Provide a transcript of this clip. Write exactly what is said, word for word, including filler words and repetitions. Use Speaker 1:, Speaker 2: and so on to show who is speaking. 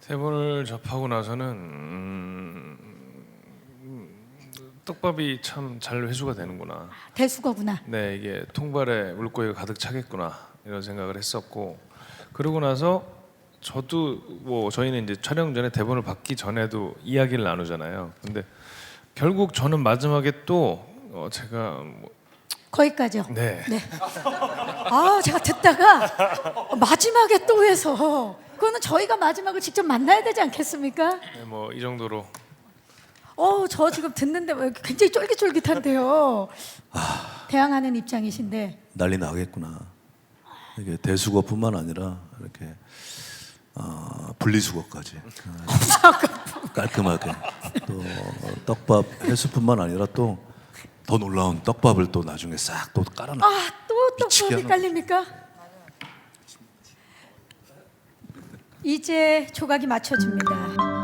Speaker 1: 대본을 접하고 나서는 음, 떡밥이 참 잘 회수가 되는구나.
Speaker 2: 대수거구나.
Speaker 1: 네, 이게 통발에 물고기가 가득 차겠구나 이런 생각을 했었고, 그러고 나서 저도 뭐 저희는 이제 촬영 전에 대본을 받기 전에도 이야기를 나누잖아요. 근데 결국 저는 마지막에 또 어, 제가 뭐,
Speaker 2: 거기까지요.
Speaker 1: 네,
Speaker 2: 네. 아, 제가 듣다가 마지막에 또 해서 그거는 저희가 마지막을 직접 만나야 되지 않겠습니까?
Speaker 1: 네, 뭐 이 정도로.
Speaker 2: 어, 저 지금 듣는데 뭐 굉장히 쫄깃쫄깃한데요. 대항하는 입장이신데
Speaker 3: 난리 나겠구나. 이게 대수거뿐만 아니라 이렇게 어, 분리수거까지 어, 깔끔하게 또 떡밥 회수뿐만 아니라 또 더 놀라운 떡밥을 또 나중에 싹 또 깔아놔.
Speaker 2: 아, 또
Speaker 3: 미치게
Speaker 2: 떡밥이
Speaker 3: 하는-
Speaker 2: 깔립니까? 이제 조각이 맞춰집니다.